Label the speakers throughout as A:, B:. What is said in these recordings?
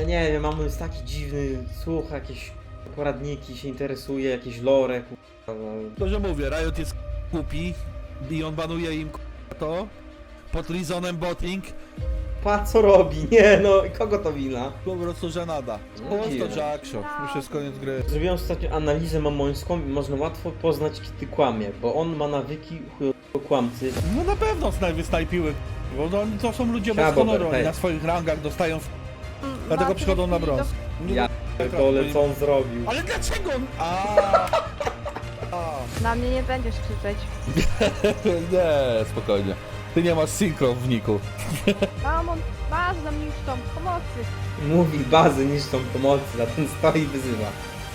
A: Ja nie wiem, Mamon jest taki dziwny, słucha jakieś poradniki, się interesuje, jakieś lore, kurwa, no.
B: To, że mówię, Riot jest głupi i on banuje im to pod reasonem botting,
A: Pa, co robi? Nie no, kogo to wina?
B: po prostu żenada.
A: No,
B: Po
A: dziwne.
B: to Jackshot, już jest koniec gry.
A: Zrobiłem ostatnio analizę mamońską i można łatwo poznać, kiedy kłamie, bo on ma nawyki chujowego kłamcy.
B: No na pewno wysnajpiły, bo to są ludzie bez
A: Siema,
B: honoru,
A: Bober,
B: oni
A: hej.
B: na swoich rangach dostają dlatego przychodzą na brąz. Nie,
A: Dole, co on zrobił?
B: ale dlaczego on...
C: Na mnie nie będziesz krzyczeć.
B: Nie, spokojnie. Ty nie masz synchro w niku.
C: Mamon, masz na mnie już tą pomocy.
A: Mówi bazy niszczą pomocy, a ten stoi i wyzywa.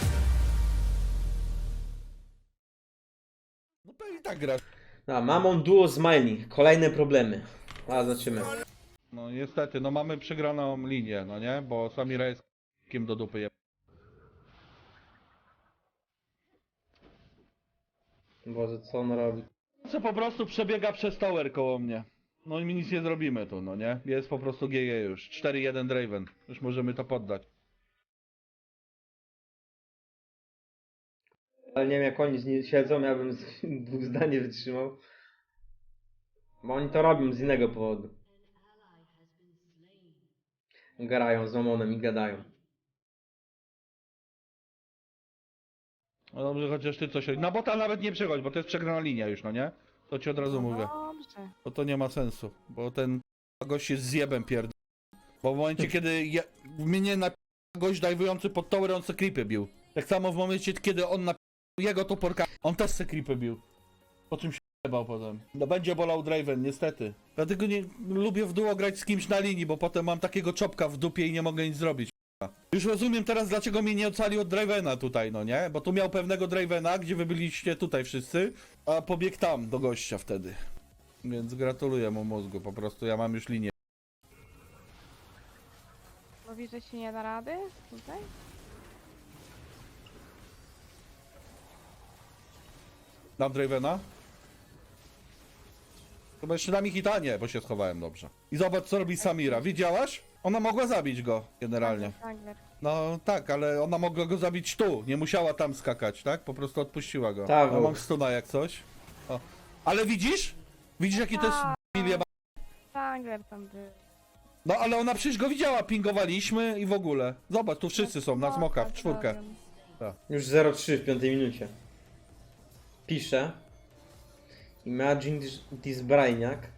B: No pewnie tak grasz.
A: A, Mamon duo Smiling, kolejne problemy. A, zobaczymy.
B: No niestety, no mamy przegraną linię, no nie? Bo Samira jest kim do dupy je...
A: Boże, co on robi?
B: Co po prostu przebiega przez tower koło mnie. No i my nic nie zrobimy tu, no nie? Jest po prostu GG już. 4-1 Draven. Już możemy to poddać.
A: Ale nie wiem, jak oni z nim siedzą, ja bym z dwóch zdań nie wytrzymał. Bo oni to robią z innego powodu. Garają z Mamonem i gadają.
B: No dobrze, chociaż ty coś... Na bota nawet nie przechodź, bo to jest przegrana linia już, no nie? To ci od razu mówię.
C: Dobrze.
B: Bo to nie ma sensu. Bo ten gość jest zjebem pierd... Bo w momencie, kiedy mnie na gość dajwujący pod tower, on se creepy bił. Tak samo w momencie, kiedy on na jego toporka, on też se creepy bił. Po czym się jebał potem. No będzie bolał Draven, niestety. Dlatego nie lubię w duo grać z kimś na linii, bo potem mam takiego czopka w dupie i nie mogę nic zrobić. Już rozumiem teraz, dlaczego mnie nie ocalił od Dravena tutaj, no nie? Bo tu miał pewnego Dravena, gdzie wy byliście tutaj wszyscy, a pobiegł tam do gościa wtedy. Więc gratuluję mu mózgu, po prostu ja mam już linię.
C: Mówisz, że się nie da rady tutaj?
B: Dam Dravena? Chyba jeszcze dam ich hitanie, bo się schowałem dobrze. I zobacz, co robi Samira. Widziałaś? Ona mogła zabić go, generalnie.
C: Wrangler.
B: No tak, ale ona mogła go zabić tu. Nie musiała tam skakać, tak? Po prostu odpuściła go.
A: Tak,
B: No
A: bo-
B: mam stuna jak coś. O. Ale widzisz? Widzisz, jaki to jest debil jeba-
C: Wrangler tam był.
B: No ale ona przecież go widziała, pingowaliśmy i w ogóle. Zobacz, tu wszyscy są na smoka, w czwórkę.
A: Już 0-3 w 5 minucie. Pisze. Imagine this Brainiac.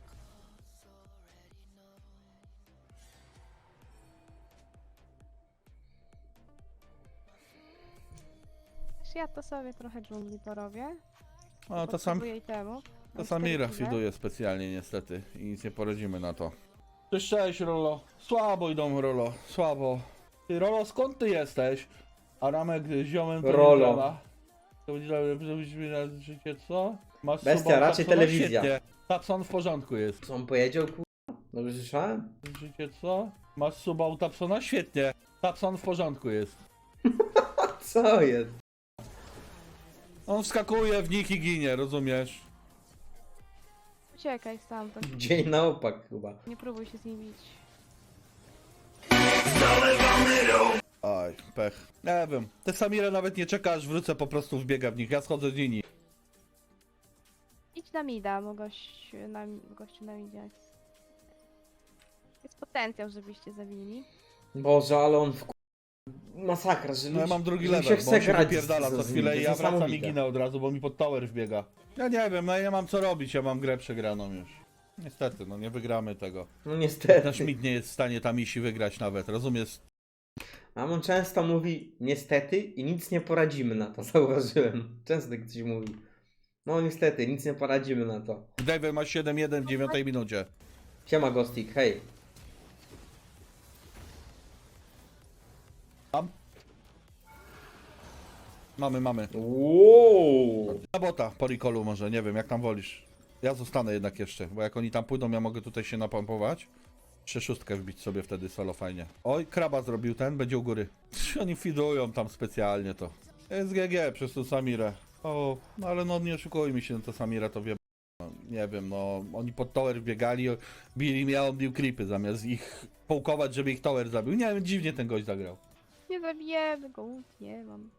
C: Ja to sobie trochę dżungli porobię.
B: No to
C: Potrzebuję itemu.
B: To
C: Mam
B: Samira
C: 4 kile.
B: fiduje specjalnie niestety i nic nie poradzimy na to. Cześć, cześć Rolo. Słabo idą Rolo, słabo. Ty Rolo, skąd ty jesteś? A Ramek z ziomem to
A: Rolo.
B: nie działa. To będzie żebyś mi na życie, co? Masz
A: Bestia,
B: suba u
A: raczej
B: Tapsona?
A: telewizja.
B: Świetnie. Tapson w porządku jest.
A: Co on powiedział, kurwa? Dobrze słyszałem?
B: Życie, co? Masz suba u Tapsona? Świetnie. Tapson w porządku jest.
A: A co jest?
B: On wskakuje w nich i ginie, rozumiesz?
C: Uciekaj stamtąd.
A: Dzień na opak chyba.
C: Nie próbuj się z nim bić.
B: Aj, pech. Nie wiem. Te Samira nawet nie czeka, aż wrócę, po prostu wbiega w nich. Ja schodzę z linii.
C: Idź na mida, bo gościu na midzie jest potencjał, żebyście zabili.
A: Boże, ale on w masakra, że
B: No ja mam drugi
A: że
B: level,
A: się
B: bo
A: chce
B: on się
A: grać
B: wypierdala
A: z
B: co
A: nim,
B: chwilę
A: to
B: i
A: jest
B: ja wracam i
A: niesamowite.
B: ginę od razu, bo mi pod tower wbiega. Ja nie wiem, no ja mam co robić, ja mam grę przegraną już. Niestety, no nie wygramy tego.
A: No
B: Ten
A: niestety.
B: Schmidt nie jest w stanie tam iść i wygrać nawet, rozumiesz?
A: Mamon często mówi niestety i nic nie poradzimy na to, zauważyłem. Często tak coś mówi. No niestety, nic nie poradzimy na to.
B: David ma 7-1 w 9 minucie.
A: Siema Gostik, hej.
B: Tam? Mamy.
A: Wow.
B: Na bota, po recallu może, nie wiem, jak tam wolisz. Ja zostanę jednak jeszcze, bo jak oni tam pójdą, ja mogę tutaj się napompować. 3-6 wbić sobie wtedy solo fajnie. Oj, kraba zrobił ten, będzie u góry. Oni fidują tam specjalnie to. Jest GG przez tą Samirę. O, no ale no nie oszukujmy się, no to Samira to wie. No, nie wiem, no oni pod tower wbiegali, bili mnie, a on bił creepy zamiast ich połkować, żeby ich tower zabił. Nie wiem, dziwnie ten gość zagrał.
C: Nie zabijemy go, nie mam.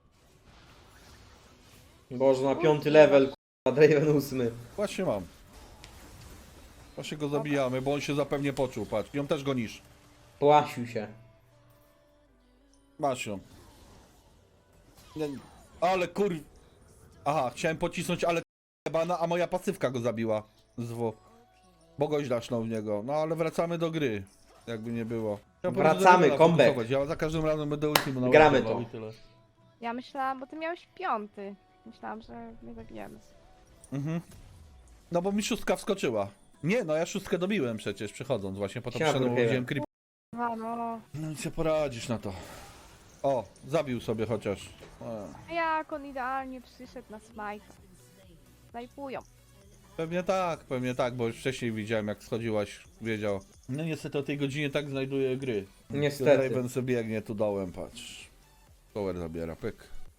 A: Boże, na 5. level, k***a, Draven 8.
B: Właśnie mam. Właśnie go zabijamy, bo on się zapewnie poczuł, patrz. Ją też gonisz.
A: Płasił się.
B: Masz ją. Nie, ale kur... Aha, chciałem pocisnąć, ale bana, a moja pasywka go zabiła. Z W. Bo gość dasznął w niego. No ale wracamy do gry. Jakby nie było. Ja
A: Wracamy,
B: będę
A: comeback.
B: fokusować. Ja za każdym razem będę ultimu
A: Gramy
B: naładował
A: to.
B: i tyle.
C: Ja myślałam, bo ty miałeś 5. Myślałam, że nie zabijemy.
B: Mhm. No bo mi szóstka wskoczyła. Nie, no ja szóstkę dobiłem przecież przechodząc właśnie, potem
A: Siema,
B: przyszedłem,
A: Brookhaven.
B: wziąłem creep.
C: No.
B: No i co poradzisz na to? O, zabił sobie chociaż.
C: A jak on idealnie przyszedł na smajka. Snajpują.
B: Pewnie tak, bo już wcześniej widziałem jak schodziłaś, wiedział. No niestety o tej godzinie tak znajduję gry.
A: Niestety.
B: Raven sobie biegnie tu dołem, patrz. Power zabiera, pyk.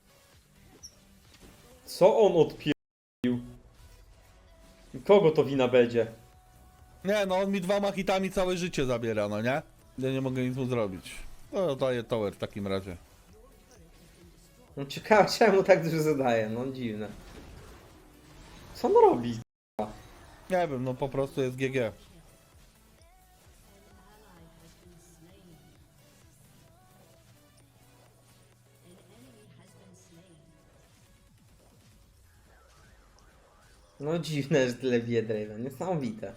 A: Co on odpierdolił? Kogo to wina będzie?
B: Nie, no on mi 2 hitami całe życie zabiera, no nie? Ja nie mogę nic mu zrobić. No daję tower w takim razie.
A: No ciekawe, czemu tak dużo zadaje, no dziwne. Co on robi?
B: Nie wiem, no po prostu jest GG.
A: No dziwne, że tyle bije Draven, niesamowite.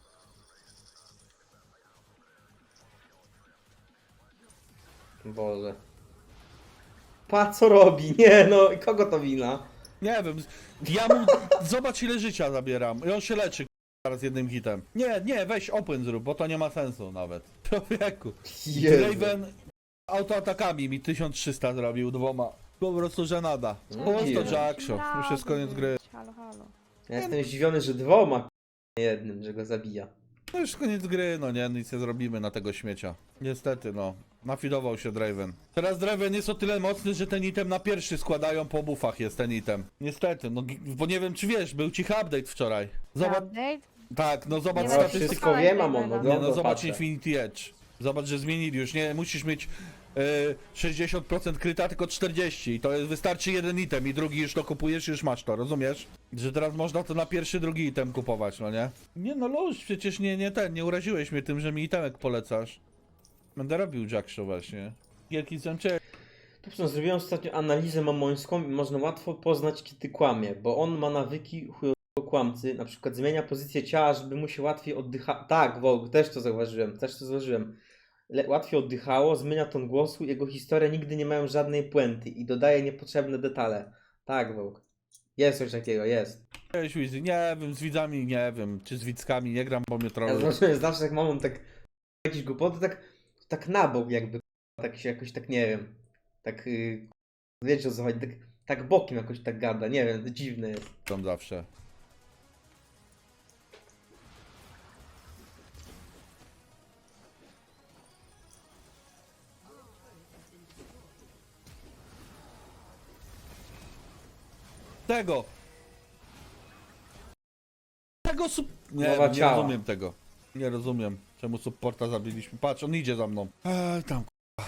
A: Boże. Pa co robi? Nie no, kogo to wina?
B: Nie wiem, ja mu... Zobacz ile życia zabieram. I on się leczy teraz jednym hitem. Nie, weź open zrób, bo to nie ma sensu nawet. Człowieku.
A: Jezu.
B: Raven autoatakami mi 1300 zrobił 2. Po prostu żenada.
A: No
B: Po prostu
A: dziwne.
B: Jackshot. Już jest koniec gry.
C: Halo, halo.
A: Ja jestem zdziwiony, że 2 jednym, że go zabija.
B: No już koniec gry, no nie, nic nie zrobimy na tego śmiecia. Niestety, no. Nafidował się Draven. Teraz Draven jest o tyle mocny, że ten item na pierwszy składają po buffach jest ten item. Niestety, no bo nie wiem czy wiesz, był cichy update wczoraj. Zobacz,
C: Update?
B: tak, no zobacz
C: Nie
A: No,
C: wiem,
B: statystykę.
A: wszystko wiem, mam on,
C: Nie,
B: Nie,
A: oglądam,
B: no zobacz
A: patrzę.
B: Infinity Edge. Zobacz, że zmienili już, nie musisz mieć 60% kryta, tylko 40 i to jest, wystarczy jeden item i drugi już to kupujesz i już masz to, rozumiesz? Że teraz można to na pierwszy, drugi item kupować, no nie? Nie no Luś, przecież nie uraziłeś mnie tym, że mi itemek polecasz. Będę robił Jackshaw właśnie. Wielki zemcze.
A: Dobrze, no, zrobiłem ostatnio analizę mamońską i można łatwo poznać, kiedy kłamie, bo on ma nawyki chujowego kłamcy, na przykład zmienia pozycję ciała, żeby mu się łatwiej oddycha... Tak, Wołk, też to zauważyłem. Łatwiej oddychało, zmienia ton głosu, jego historie nigdy nie mają żadnej puenty i dodaje niepotrzebne detale. Tak, Wołk. Jest coś takiego, jest.
B: Cześć Wizy, nie wiem, z widzami nie wiem, czy z widzkami nie gram, bo mnie
A: Ja
B: trochę.
A: zobaczyłem zawsze jak mamą tak jakieś głupoty, tak na bok jakby, tak się jakoś tak nie wiem, tak wiecie o co chodzi, tak bokiem jakoś tak gada, nie wiem, to dziwne jest.
B: Tam zawsze. Tego! Nie,
A: Mowa
B: nie
A: ciała.
B: rozumiem tego. Nie rozumiem, czemu supporta zabiliśmy. Patrz, on idzie za mną. Tam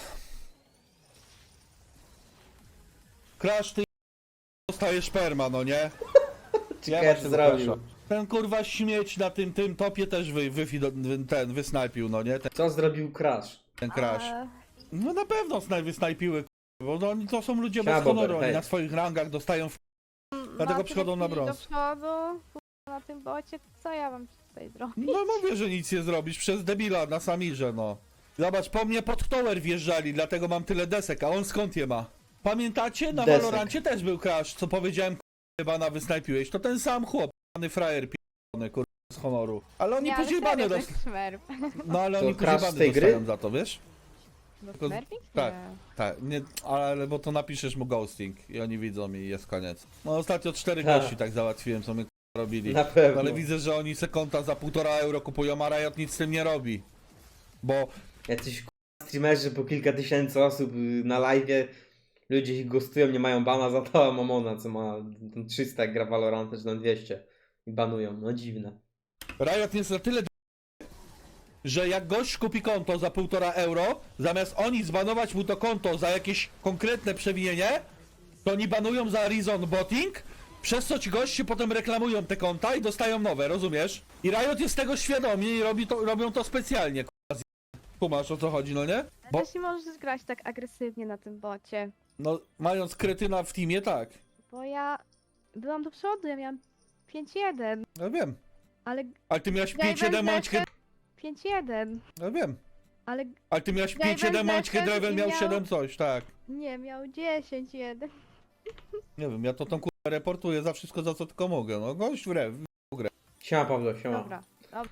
B: Crash, ty dostajesz perma, no nie?
A: Ciekawe
B: Ja
A: co
B: się
A: zrobił.
B: zapraszam. Ten kurwa śmieć na tym topie też wysnajpił, no nie?
A: Co zrobił Crash?
B: Ten Crash. No na pewno wysnajpiły, bo no, oni to są ludzie
A: Siema,
B: bez honoru,
A: Bober,
B: oni
A: hej.
B: na swoich rangach dostają Dlatego przychodzą na brąz.
C: Do przodu, na tym bocie, to co ja mam tutaj zrobić?
B: No mówię, że nic nie zrobisz przez debila na Samirze, no. Zobacz, po mnie pod tower wjeżdżali, dlatego mam tyle desek, a on skąd je ma? Pamiętacie? Na
A: Desek.
B: Valorancie też był Crash, co powiedziałem, chyba na wysnajpiłeś. To ten sam chłop, pany frajer p***ny, kurwa, z honoru. Ale oni
C: Nie, ale
B: później bany
C: serio, to
B: dostają.
C: jest Smurf.
B: No ale
A: To
B: oni później
A: Crash z
B: bany
A: tej gry?
B: dostają za to, wiesz?
C: No
B: Tylko-
C: Smurfing?
B: tak.
C: Nie.
B: Tak, nie, ale bo to napiszesz mu ghosting i oni widzą i jest koniec. No ostatnio 4
A: Ha.
B: gości tak załatwiłem, co my robili.
A: Na pewno.
B: Ale widzę, że oni se konta za 1,5 euro kupują, a Riot nic z tym nie robi. Bo
A: Jacyś streamerzy po kilka tysięcy osób na live'ie, ludzie ich gostują, nie mają bana za to, a Mamona, co ma tam 300 jak gra Valorant, czy tam 200 i banują, no dziwne.
B: Riot jest na tyle że jak gość kupi konto za 1,5 euro, zamiast oni zbanować mu to konto za jakieś konkretne przewinienie, to oni banują za reason botting, przez co ci goście potem reklamują te konta i dostają nowe, rozumiesz? I Riot jest tego świadomi i robią to specjalnie, kumasz o co chodzi, no nie? Bo,
C: Też nie możesz grać tak agresywnie na tym bocie.
B: no, mając kretyna w teamie, tak.
C: Bo ja byłam do przodu, ja miałam 5-1,
B: Ja wiem.
C: ale
B: Ale ty miałeś
C: Gaben
B: 5-7, mając
C: zeszedł 5-1,
B: Ja wiem.
C: ale
B: Ale ty miałeś
C: Gaben
B: 5-7, mając
C: zeszedł
B: Draven
C: i
B: miał
C: miał-
B: 7 coś, tak.
C: nie, miał 10-1.
B: Nie wiem, ja to tą kurwę reportuję za wszystko, za co tylko mogę, no. Gość w rew.
A: Siema Pawlo, siema.
C: Dobra.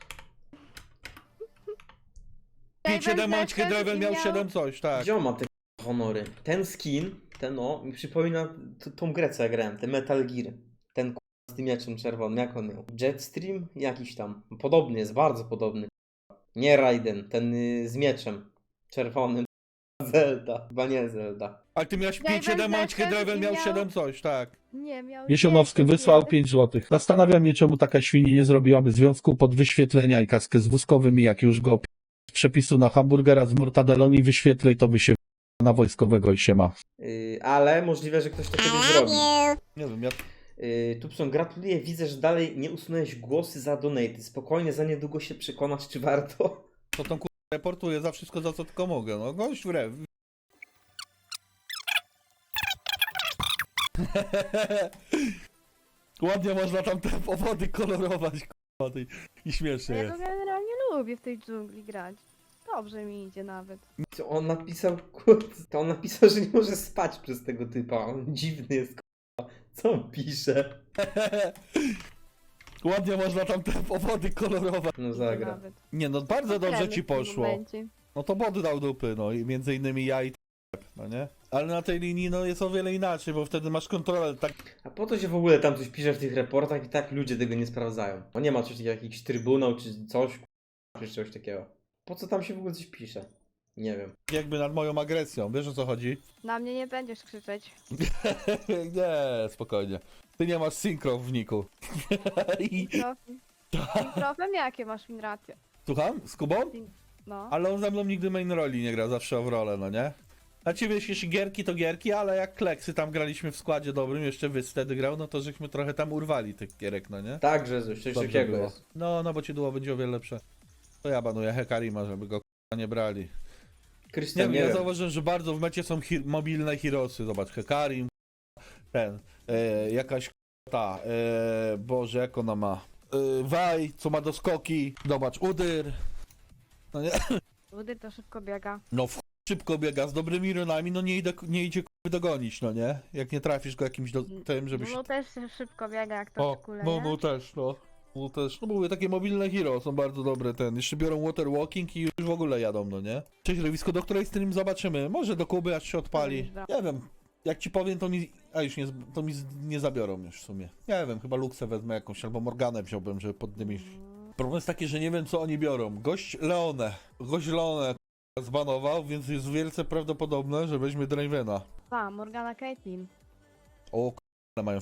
B: 5-7, mając
C: zeszedł
B: Draven
C: i
B: miał 7 coś, tak.
A: Gdzie on ma te honory? Ten skin, ten o, mi przypomina tą grę, co ja grałem, ten Metal Gear. Ten z tym mieczem czerwonym, jak on miał? Jetstream? Jakiś tam. Podobny jest, bardzo podobny. Nie Raiden, ten z mieczem czerwonym. Zelda, chyba nie Zelda.
B: Ale ty miałeś
C: Gaben
B: 5-7, mając
C: zeszedł
B: Draven
C: i
B: miał
C: miał-
B: 7 coś, tak.
C: Nie, miał
D: Jesionowski
C: 10-1.
D: wysłał 5 zł. Zastanawiam się, czemu taka świni nie zrobiłaby związku pod wyświetlenia i kaskę z wózkowym i jak już go z przepisu na hamburgera z mortadeloni wyświetlej, to by się na wojskowego i się ma.
A: Ale możliwe, że ktoś to kiedyś zrobi.
B: Nie wiem, ja...
A: Tupson, gratuluję, widzę, że dalej nie usunąłeś głosy za donaty. Spokojnie, za niedługo się przekonasz, czy warto.
B: To tą kurwę reportuję za wszystko, za co tylko mogę, no. Gość w rew. Ładnie można tam te powody kolorować, kurwa, i śmiesznie
C: Ja
B: jest.
C: to generalnie lubię w tej dżungli grać. Dobrze mi idzie nawet.
A: To on napisał, kurde, to on napisał, że nie może spać przez tego typa. On dziwny jest, kurwa. Co on pisze?
B: Ładnie można tam te powody kolorować.
A: No
C: Idzie
A: zagra.
C: nawet.
B: Nie no, bardzo dobrze
C: Kremy
B: ci
C: w tym
B: poszło.
C: momencie.
B: No to bot dał dupy, no i między innymi ja i no nie? Ale na tej linii no jest o wiele inaczej, bo wtedy masz kontrolę, tak
A: A po to się w ogóle tam coś pisze w tych reportach i tak ludzie tego nie sprawdzają. No nie ma coś takiego, jakiś trybunał czy coś, kurwa, czy coś takiego. Po co tam się w ogóle coś pisze? Nie wiem.
B: jakby nad moją agresją, wiesz o co chodzi?
C: Na mnie nie będziesz krzyczeć.
B: Nie, spokojnie. Ty nie masz synchro w niku. I...
C: Mikrofem jakie masz winracje?
B: Słucham? Z Kubą?
C: No.
B: Ale on ze mną nigdy main roli nie gra, zawsze w rolę, no nie? A ci wiesz, jeśli gierki to gierki, ale jak kleksy tam graliśmy w składzie dobrym, jeszcze Wys wtedy grał, no to żeśmy trochę tam urwali tych gierek, no nie?
A: Tak, Jezus, coś
B: Dobrze
A: takiego
B: było.
A: jest.
B: No bo ci duo będzie o wiele lepsze. To ja banuję Hekarima, żeby go k***a nie brali. Nie
A: Krystian,
B: wiem,
A: nie
B: ja
A: wiem.
B: zauważyłem, że bardzo w mecie są mobilne heroesy. Zobacz, Hekarim, ten, jakaś ta, Boże, jak ona ma? Waj, co ma doskoki, zobacz, Udyr. No nie,
C: Udyr to szybko biega.
B: no w chuj szybko biega, z dobrymi runami, no nie idzie k***y dogonić, no nie? Jak nie trafisz go jakimś tym, żebyś...
C: No też szybko biega jak to
B: O,
C: w kule,
B: no,
C: nie?
B: no też, no. No też, no mówię, takie mobilne hero są bardzo dobre, jeszcze biorą water walking i już w ogóle jadą, no nie? Cześć Rewisko, do której stream zobaczymy, może do Kuby aż się odpali,
C: Dobra.
B: nie wiem, jak ci powiem to mi, to mi nie zabiorą już w sumie, nie wiem, chyba Luxę wezmę jakąś, albo Morganę wziąłbym, żeby pod nimi... Problem jest taki, że nie wiem co oni biorą, gość Leone k***a, zbanował, więc jest wielce prawdopodobne, że weźmie Dravena.
C: Pa, Morgana Caitlyn.
B: O k***a, mają w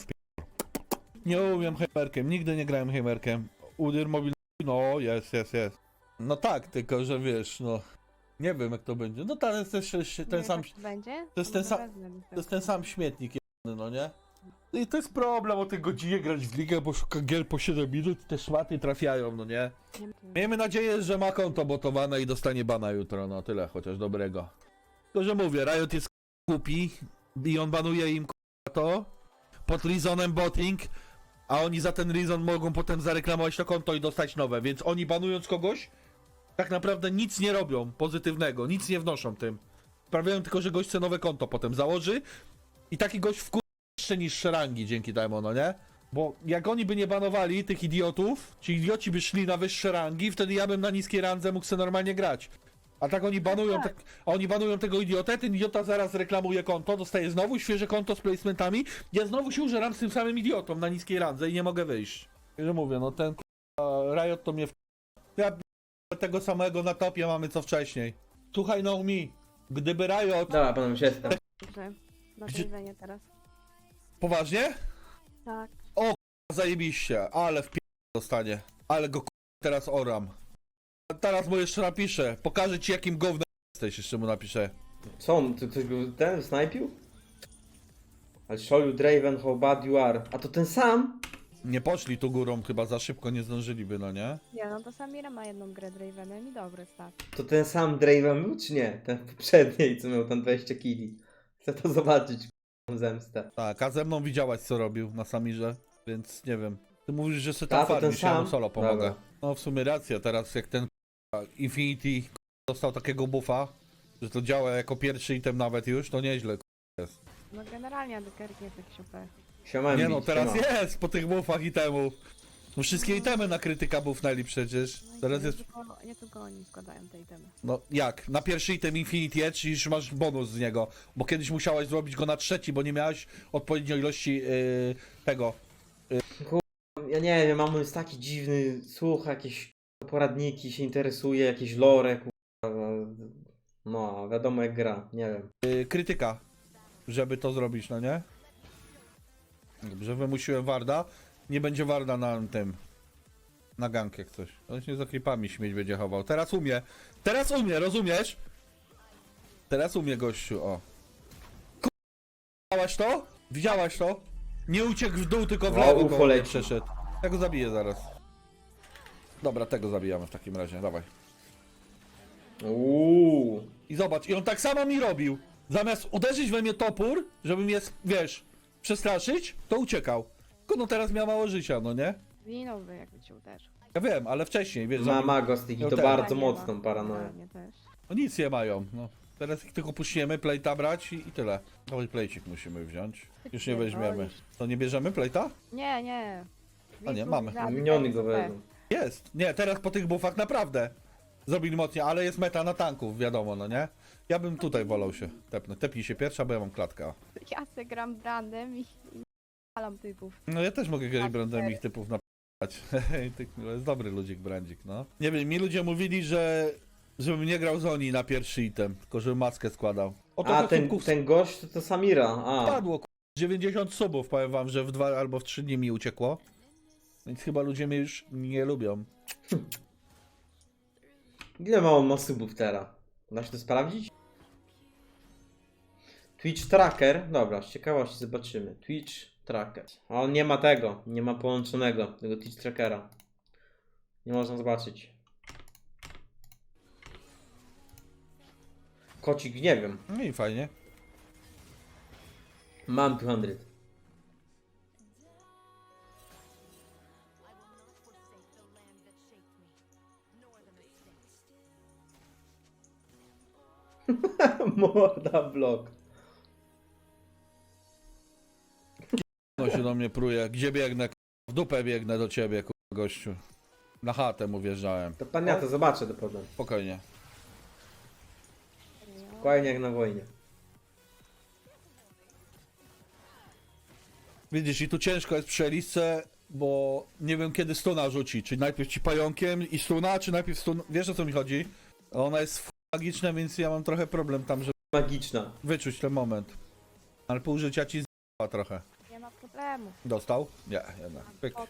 B: Nie umiem heimerkiem, nigdy nie grałem heimerkiem. Udyr mobilny, no jest. No tak, tylko że wiesz, no... Nie wiem jak to będzie. No to jest też ten
C: Nie,
B: sam...
C: tak będzie?
B: to jest ten sam-
C: wezmę mi
B: To jest ten sam śmietnik jebany, no nie? I to jest problem o tej godzinie grać w ligę, bo szuka gier po 7 minut i te szmaty trafiają, no nie?
C: Nie.
B: Miejmy nadzieję, że ma konto botowane i dostanie bana jutro, no tyle chociaż dobrego. Tylko że mówię, Riot jest głupi i on banuje im to pod reasonem botting, a oni za ten reason mogą potem zareklamować to konto i dostać nowe, więc oni banując kogoś tak naprawdę nic nie robią pozytywnego, nic nie wnoszą tym. Sprawiają tylko, że gość chce nowe konto potem założy i taki gość wkur jeszcze niższe rangi dzięki temu, no nie? Bo jak oni by nie banowali tych idiotów, ci idioci by szli na wyższe rangi, wtedy ja bym na niskiej randze mógł sobie normalnie grać. A tak oni banują,
C: tak.
B: oni banują tego idiotę, ten idiota zaraz reklamuje konto, dostaje znowu świeże konto z placementami, ja znowu się użeram z tym samym idiotą na niskiej randze i nie mogę wyjść. I że mówię, no ten Riot to mnie ja tego samego na topie mamy co wcześniej. Słuchaj, no mi, gdyby Riot...
A: Dobra, panem już jestem.
C: Dobrze. Na
B: Gdzie-
C: tej teraz.
B: Poważnie?
C: Tak.
B: Zajebiście, ale w dostanie. Ale go teraz oram. teraz mu jeszcze napiszę. Pokażę ci jakim gównem jesteś, jeszcze mu napiszę.
A: Co on, ktoś go ten snajpił? I'll show you Draven how bad you are. A to ten sam?
B: Nie poszli tu górą, chyba za szybko nie zdążyliby, no nie?
C: Nie, no to Samira ma jedną grę Dravenem i dobry stat.
A: To ten sam Draven był czy nie? Ten poprzedniej, co miał tam 20 killi. Chcę to zobaczyć, zemstę.
B: Tak, a ze mną widziałaś co robił na Samirze, więc nie wiem. Ty mówisz, że se tam
A: A, to ten
B: farmisz, ja mu
A: sam?
B: solo pomogę.
A: Dobra.
B: No w sumie racja, teraz jak ten Infinity dostał takiego buffa, że to działa jako pierwszy item nawet już, to nieźle jest.
C: No generalnie Adekerk jest jakiś OP.
A: Siema,
B: Nie no,
A: Embiid,
B: teraz
A: siema.
B: jest po tych buffach itemów. No wszystkie itemy na krytyka buffnęli przecież.
C: No i
B: Teraz
C: nie
B: jest,
C: tylko, nie tylko oni składają te itemy.
B: no jak, na pierwszy item Infinity Edge już masz bonus z niego, bo kiedyś musiałeś zrobić go na trzeci, bo nie miałeś odpowiedniej ilości tego.
A: Ja nie wiem, mam jest taki dziwny, słucha jakieś poradniki, się interesuje, jakieś lore, kurwa. No, wiadomo jak gra, nie wiem.
B: Krytyka, żeby to zrobić, no nie? Dobrze, wymusiłem Warda. Nie będzie Warda na tym. Na gank jak coś. On się za creepami śmieć będzie chował. Teraz umie. Teraz umie, rozumiesz? Teraz umie gościu, o. Widziałaś to? Widziałaś to? Nie uciekł w dół, tylko w
A: O,
B: lewo
A: UFO
B: go
A: leci.
B: przeszedł. Ja go zabiję zaraz. Dobra, tego zabijamy w takim razie, dawaj. I zobacz, i on tak samo mi robił. Zamiast uderzyć we mnie topór, żeby mnie, wiesz, przestraszyć, to uciekał. Tylko no teraz miał mało życia, no nie?
C: Zginąłby jakby cię uderzył.
B: Ja wiem, ale wcześniej, wiesz,
A: Ma
B: zabił-
A: Magostik i
B: No
A: to
B: tak.
A: bardzo
C: Nie ma.
A: mocną paranoję.
C: Nie też.
B: no nic nie mają, no. Teraz ich tylko puścimy, plejta brać i tyle. Dawaj plejcik musimy wziąć. Już nie weźmiemy. To nie bierzemy plejta?
C: Nie, nie.
B: A nie, mamy.
A: Miniony go wezmą.
B: Jest. Nie, teraz po tych buffach naprawdę zrobili mocniej, ale jest meta na tanków, wiadomo, no nie? Ja bym tutaj wolał się tepnąć. Tepnij się pierwsza, bo ja mam klatkę.
C: Ja se gram brandem i palam typów.
B: No ja też mogę grać
C: Tak,
B: brandem
C: tak.
B: ich typów napać. To jest dobry ludzik brandzik, no. Nie wiem, mi ludzie mówili, że żebym nie grał z Oni na pierwszy item, tylko żebym maskę składał. Oto
A: A,
B: do
A: ten,
B: subków
A: ten gość to Samira, a.
B: spadło, 90 subów, powiem wam, że w 2 albo w 3 dni mi uciekło. Więc chyba ludzie mnie już nie lubią.
A: Ile ma on subów teraz? Da się to sprawdzić? Twitch Tracker, dobra, z ciekawości zobaczymy. Twitch Tracker. A on nie ma tego, nie ma połączonego, tego Twitch Trackera. Nie można zobaczyć. Kocik, nie wiem.
B: No i fajnie.
A: Mam 200. Morda blok.
B: No się do mnie pruje. Gdzie biegnę? W dupę biegnę do ciebie, gościu. Na chatę mu wjeżdżałem.
A: To pan ja to zobaczę do potem.
B: Spokojnie.
A: Spokojnie jak na wojnie.
B: Widzisz, i tu ciężko jest przy Elisce, bo nie wiem kiedy stuna rzuci. Czy najpierw ci pająkiem i stuna, czy najpierw stun... Wiesz o co mi chodzi? Ona jest magiczna, więc ja mam trochę problem tam, żeby
A: Magiczna.
B: wyczuć ten moment. Ale pół życia ci z***a trochę.
C: Nie ma problemu.
B: Dostał? Nie, jednak. Pyk.
C: Pod-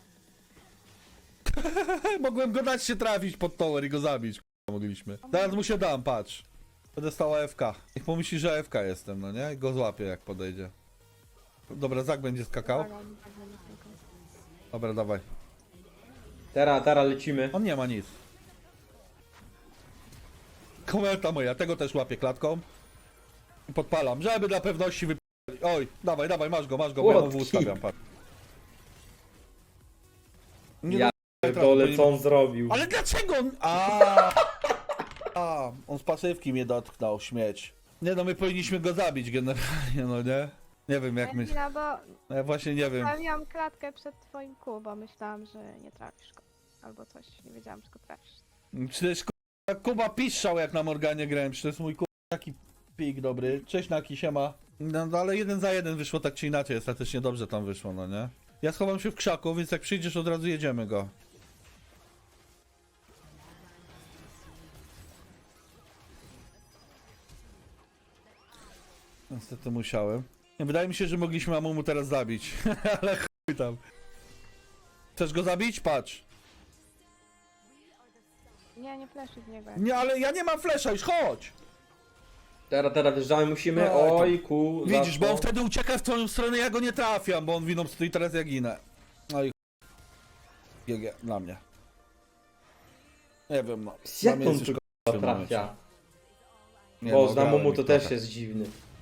B: Mogłem go dać się trafić pod tower i go zabić. Mogliśmy. Teraz mu się dam, patrz. Będę stał AFK. Niech pomyśli, że AFK jestem, no nie? I go złapię jak podejdzie. Dobra, Zak będzie skakał.
C: Uwaga, on tak będzie skakał.
B: Dobra, dawaj.
A: Teraz lecimy.
B: On nie ma nic. Kometa moja, tego też łapię klatką. I podpalam, żeby dla pewności wypalić. Oj, dawaj, dawaj, masz go, bo ja mu
A: Łotki.
B: ustawiam, patrz. Nie
A: Ja
B: trafię,
A: dole
B: bo
A: co on zrobił.
B: Ale dlaczego on... On z pasywki mnie dotknął, śmieć. Nie no, my powinniśmy go zabić generalnie, no nie? Nie wiem jak my...
C: Emila, bo
B: No ja właśnie nie wiem.
C: stawiłam klatkę przed twoim kół, bo myślałam, że nie trafisz go. Albo coś, nie wiedziałam, czy go trafisz.
B: Przecież Kuba piszczał jak na Morganie grałem, przecież to jest mój taki pik dobry. Cześć Naki, siema. No ale 1 za 1 wyszło tak czy inaczej, ostatecznie dobrze tam wyszło, no nie? Ja schowam się w krzaku, więc jak przyjdziesz od razu jedziemy go. Niestety musiałem. Nie, wydaje mi się, że mogliśmy Amumu teraz zabić, ale chuj tam. Chcesz go zabić? Patrz.
C: Nie fleszy w niego.
B: Nie, ale ja nie mam flesza, już chodź!
A: Teraz wjeżdżamy, musimy.
B: No, to-
A: Oj, ku.
B: Widzisz, bo on
A: zacznę.
B: wtedy ucieka w twoją stronę, ja go nie trafiam, bo on winą stoi, teraz ja ginę. No i GG, dla mnie. Nie wiem, no. Dla
A: Jak
B: mnie
A: on
B: jest
A: tu
B: już
A: k***a
B: w tym momencie.
A: trafia?
B: Nie,
A: Bo
B: no,
A: z
B: grałem
A: Namumu
B: ich
A: to też
B: trochę.
A: jest dziwny.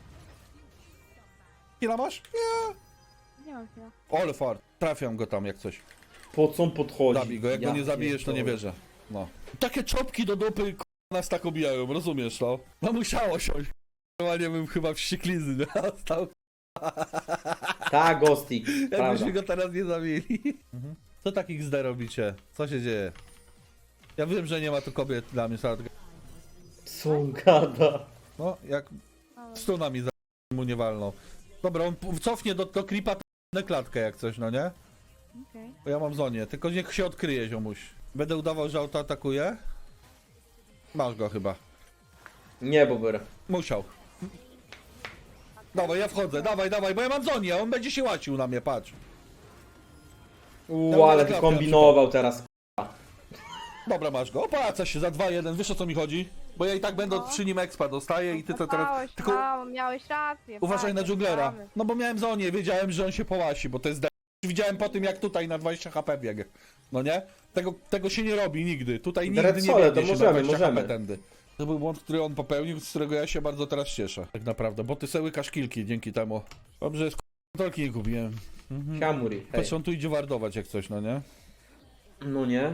B: Ile masz? Nie.
C: Nie mam chwila.
B: Ole fart, trafiam go tam jak coś.
A: Po co on podchodzi?
B: Zabij go, jak
A: Ja
B: go nie zabijesz, to nie
A: pierdolę.
B: wierzę. No. Takie czopki do dupy, nas tak obijają, rozumiesz to? No musiało siąść. Normalnie bym chyba wścieklizny dostał.
A: Tak, Ghostik, prawda.
B: Jakbyśmy go teraz nie zabili. Co takich XD robicie? Co się dzieje? Ja wiem, że nie ma tu kobiet dla mnie, sadka.
A: Co on gada?
B: No, jak
C: Ale...
B: stunami za mu nie walną. Dobra, on cofnie do creepa na klatkę jak coś, no nie?
C: Okej.
B: Bo ja mam zonię, tylko niech się odkryje, ziomuś. Będę udawał, że auto atakuje? Masz go chyba.
A: Nie, Bober.
B: Musiał. Dawaj, ja wchodzę, dawaj, bo ja mam zonię, on będzie się łacił na mnie, patrz.
A: Ale ty kombinował teraz.
B: Dobra, masz go, opłaca się za 2-1, wiesz o co mi chodzi? Bo ja i tak będę
C: No.
B: przy nim expa dostaję i ty to teraz...
C: Kopałeś,
B: Tylko
C: mało, miałeś rację.
B: uważaj na
C: fajnie,
B: dżunglera.
C: mamy.
B: No bo miałem zonię, wiedziałem, że on się połasi, bo to jest widziałem po tym, jak tutaj na 20 HP biegł. No nie? Tego się nie robi nigdy. Tutaj nigdy
A: Red
B: nie
A: Sole,
B: biegnie
A: to
B: się
A: możemy,
B: na 20
A: możemy.
B: HP tędy. To był błąd, który on popełnił, z którego ja się bardzo teraz cieszę. Tak naprawdę, bo ty sobie łykasz kilki dzięki temu. Dobrze, jest kontrolki nie kupiłem.
A: Kamuri, hej.
B: Patrz, on tu idzie wardować jak coś, no nie?
A: No nie.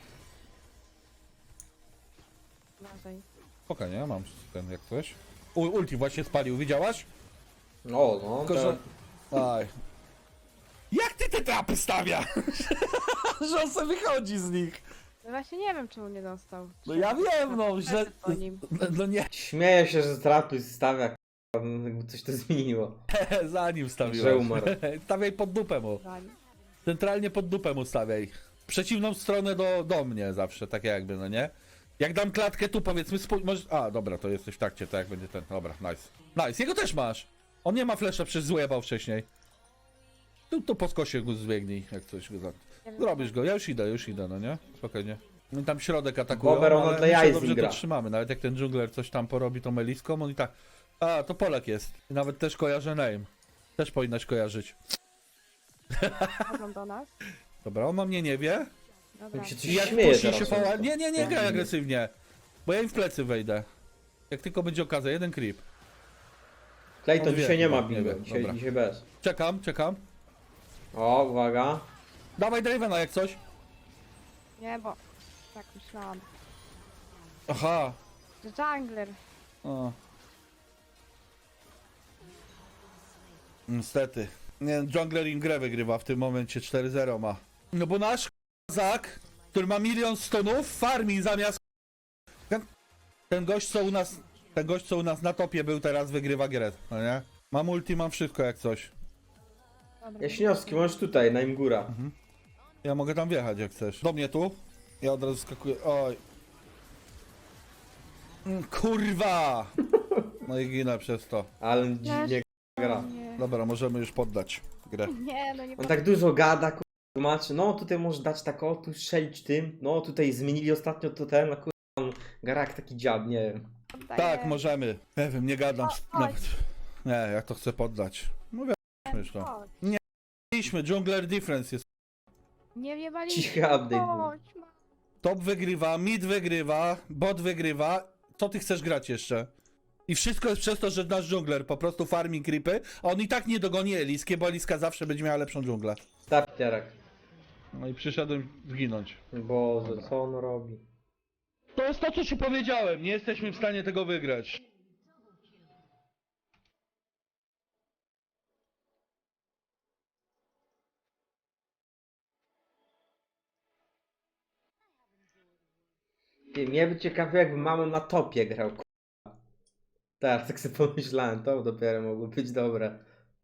C: Uważaj.
B: Spokojnie, ja mam ten jak coś. Ulti właśnie spalił, widziałaś?
A: No,
B: Tylko, że... Aj. Jak ty te trapy stawia? Że on sobie wychodzi z nich.
C: No właśnie nie wiem, czemu nie dostał.
B: No ja wiem, no, że...
C: Po nim.
B: No nie,
A: Śmieję się, że trapy stawia, jakby coś to zmieniło.
B: za nim stawiłeś.
A: Że umarł.
B: Stawiaj pod dupę mu.
C: Zanim.
B: Centralnie pod dupę mu stawiaj. W przeciwną stronę do mnie zawsze, tak jakby, no nie? Jak dam klatkę tu, powiedzmy, może... A, dobra, to jesteś w takcie, tak jak będzie ten. Dobra, nice. Nice, jego też masz. On nie ma flesza, przecież złebał wcześniej. Tu po skosie go zbiegnij, jak coś go
C: Nie wiem,
B: zrobisz go, ja już idę, no nie? Spokojnie. No i tam środek atakują,
A: Bober, on
B: ale
A: dla
B: my się
A: jaj
B: dobrze
A: gra.
B: to trzymamy. Nawet jak ten dżungler coś tam porobi tą meliską, on i tak... A, to Polak jest. I nawet też kojarzę name. Też powinnaś kojarzyć.
C: Chodzą do nas.
B: Dobra, on o mnie nie wie.
C: Dobra.
A: Mi się coś
B: I jak
A: śmieje
B: później
A: teraz.
B: się poła...
A: często.
B: Nie graj agresywnie. Bo ja im w plecy wejdę. Jak tylko będzie okazja, jeden creep.
A: Clayton
B: On wie,
A: dzisiaj nie ma
B: nie
A: bingo,
B: wie,
A: dzisiaj,
B: dobra.
A: dzisiaj bez.
B: Czekam.
A: O, uwaga.
B: Dawaj Dravena jak coś.
C: Nie, bo... Tak myślałam.
B: Aha.
C: Że jungler.
B: O. Niestety. Nie, jungler im grę wygrywa w tym momencie 4-0 ma. No bo nasz Zak, który ma 1 000 000 stonów, farmi zamiast... Ten gość co u nas na topie był, teraz wygrywa grę, no nie? Mam ulti, mam wszystko jak coś.
C: Dobra.
A: Jaśniowski, możesz tutaj, na im góra.
B: Ja mogę tam wjechać jak chcesz. Do mnie tu. Ja od razu skakuję. Oj. Kurwa! No i ginę przez to.
A: Ale dziwnie gra.
C: Nie.
B: Dobra, możemy już poddać grę.
C: Nie, no nie
A: On tak dużo gada, tłumaczy, no tutaj możesz dać tak, o tu strzelić tym, no tutaj zmienili ostatnio to ten, no on gra jak taki dziad, nie wiem.
C: poddaję.
B: Tak, możemy. Nie wiem, nie gadam
C: O,
B: nawet. Nie, ja to chcę poddać. Mówię, już to.
C: Chodź.
B: Mieliśmy, Jungler Difference jest.
C: Nie wiebali.
A: Cichy update był.
C: Chodź, ma.
B: Top wygrywa, mid wygrywa, bot wygrywa. Co ty chcesz grać jeszcze? I wszystko jest przez to, że nasz dżungler po prostu farmi creepy, a on i tak nie dogoni Eliskie, bo Eliska zawsze będzie miała lepszą dżunglę.
A: Starterek.
B: No i przyszedłem zginąć.
A: Boże, co on robi?
B: To jest to, co ci powiedziałem. Nie jesteśmy w stanie tego wygrać.
A: Ty, mnie by ciekawiło, jakby mamą na topie grał, k***a. Teraz tak sobie pomyślałem, to dopiero mogło być dobre.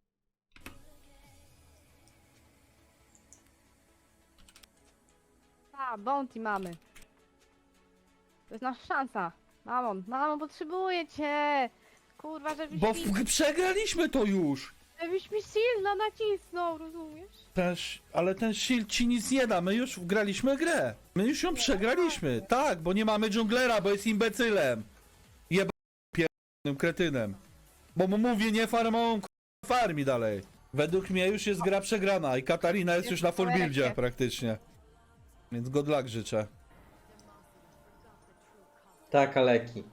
C: A, bounty mamy. To jest nasza szansa. Mamo, potrzebuję cię. Kurwa, żebyś
B: Bo
C: mi...
B: przegraliśmy to już.
C: Żebyś mi silna nacisnął, rozumiesz?
B: Ale ten shield ci nic nie da, my już graliśmy grę. My już ją przegraliśmy. Tak, bo nie mamy dżunglera, bo jest imbecylem. Jebanym kretynem. Bo mu mówię nie farmą, farmi dalej. Według mnie już jest gra przegrana i Katarina jest już na full buildzie praktycznie. Więc good luck życzę.
A: Tak, Aleki.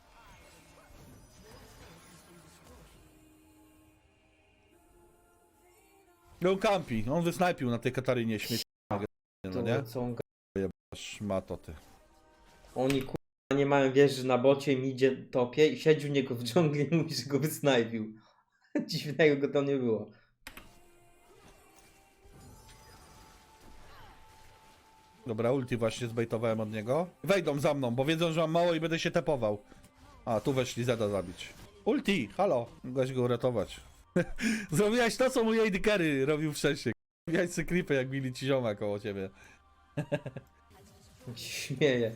B: No campi, on wysnajpił na tej Katarynie śmieci. No nie?
A: To co on
B: Szmato ty.
A: Oni kurwa nie mają wieży na bocie, midzie topie i siedzi u niego w dżungli i mówi, że go wysnajpił. Dziwnego go to nie było.
B: Dobra, ulti właśnie zbejtowałem od niego. Wejdą za mną, bo wiedzą, że mam mało i będę się tepował. A, tu weszli Zeda zabić. Ulti, halo, mogłaś go uratować. Zrobiłaś to, co mój AD Carry robił wcześniej. Miałeś sobie creepy, jak bili ci zioma koło ciebie.
A: On się śmieje.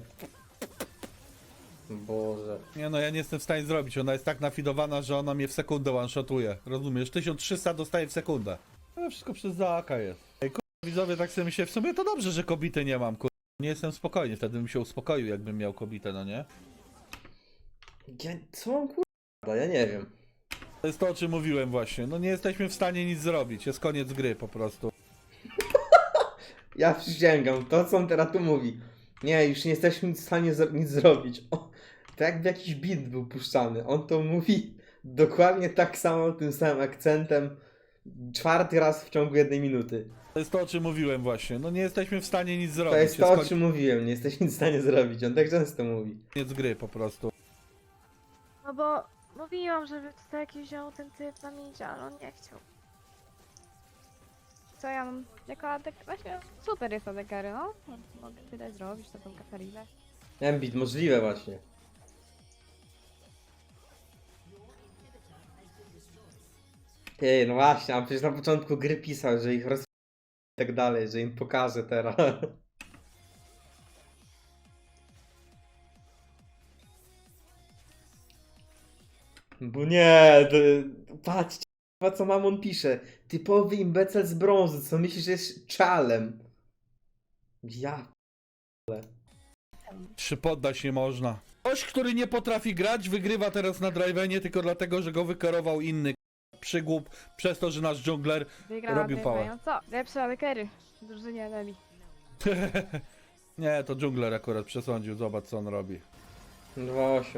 A: Boże.
B: Nie no, ja nie jestem w stanie zrobić. Ona jest tak nafidowana, że ona mnie w sekundę one-shotuje. Rozumiesz? 1300 dostaje w sekundę. Ale wszystko przez Zaaka jest. Ej, widzowie, tak sobie myślę, w sumie to dobrze, że kobiety nie mam, Nie jestem spokojny, wtedy bym się uspokoił, jakbym miał kobietę, no nie?
A: Co on kurwa? Ja nie wiem.
B: To jest to, o czym mówiłem właśnie. No nie jesteśmy w stanie nic zrobić. Jest koniec gry po prostu.
A: Ja przysięgam, to co on teraz tu mówi. Nie, już nie jesteśmy w stanie nic zrobić. O, to jakby jakiś beat był puszczany. On to mówi dokładnie tak samo, tym samym akcentem. 4. raz w ciągu 1 minuty.
B: To jest to, o czym mówiłem właśnie. No nie jesteśmy w stanie nic zrobić.
A: To jest to, o czym mówiłem. Nie jesteśmy w stanie zrobić. On tak często mówi.
B: Koniec gry po prostu.
C: No bo mówiłam, żeby tutaj jakiś wziął ten typ na midzie, ale on nie chciał. Co ja mam? Jako adek... Właśnie super jest adekary, no. Mogę tyle zrobić, to tą Katarinę.
A: Embit, możliwe właśnie. Ej, no właśnie, a przecież na początku gry pisał, że ich roz... i tak dalej, że im pokaże teraz. Bo nie, patrzcie, co Mamon pisze. Typowy imbecel z brązu, co myślisz, że jest czalem. Ja.
B: Czy poddać nie można. Ktoś, który nie potrafi grać, wygrywa teraz na drivenie tylko dlatego, że go wykarował inny przygłup przez to, że nasz dżungler
C: Wygrała
B: robił pałę.
C: no co? Lepsze adekery w drużynie Nemi.
B: Nie, to dżungler akurat przesądził. Zobacz, co on robi.
A: 2-8.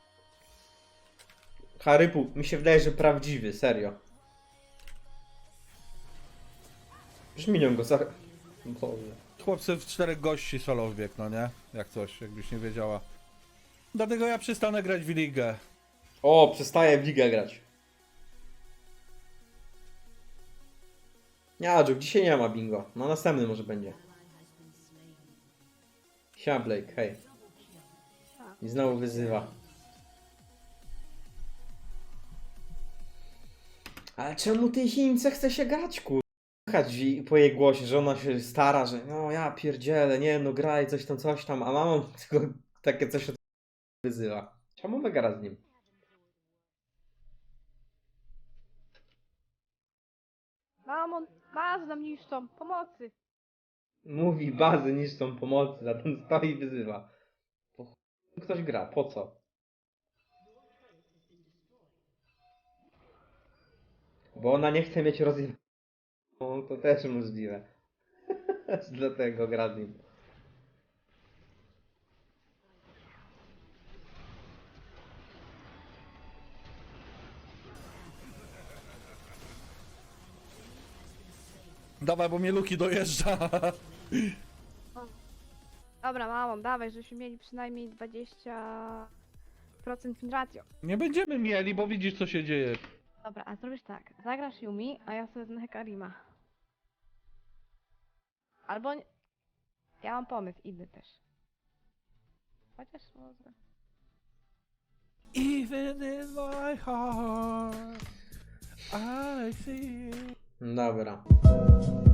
A: Harypu, mi się wydaje, że prawdziwy, serio. Już minią go za... Boże.
B: Chłopcy w 4 gości solo wbiegł, no nie? Jak coś, jakbyś nie wiedziała. Dlatego ja przestanę grać w ligę.
A: O, przestaje w ligę grać. Nie, Adżuk, dzisiaj nie ma bingo. No następny może będzie. Siema Blake, hej. I znowu wyzywa. Ale czemu tej Chince chce się grać, kur... Słychać po jej głosie, że ona się stara, że no ja pierdzielę, nie no graj coś tam, a mama tylko takie coś od wyzywa. Czemu wygra z nim?
C: Mamon, bazę nam niszczą, pomocy!
A: Mówi bazy niszczą pomocy, a ten stoi i wyzywa. Po chuj ktoś gra, po co? Bo ona nie chce mieć rozwiązania. No, to też możliwe. Dlatego gra z nim.
B: Dawaj, bo mnie Luki dojeżdża.
C: Dobra, mamon, dawaj, żebyśmy mieli przynajmniej 20% win ratio.
B: Nie będziemy mieli, bo widzisz, co się dzieje.
C: Dobra, a zrobisz tak, zagrasz Yumi, a ja sobie wezmę Hekarima. Albo... Nie... Ja mam pomysł, inny też. Chociaż może...
B: Even in my heart, I see.
A: Dobra.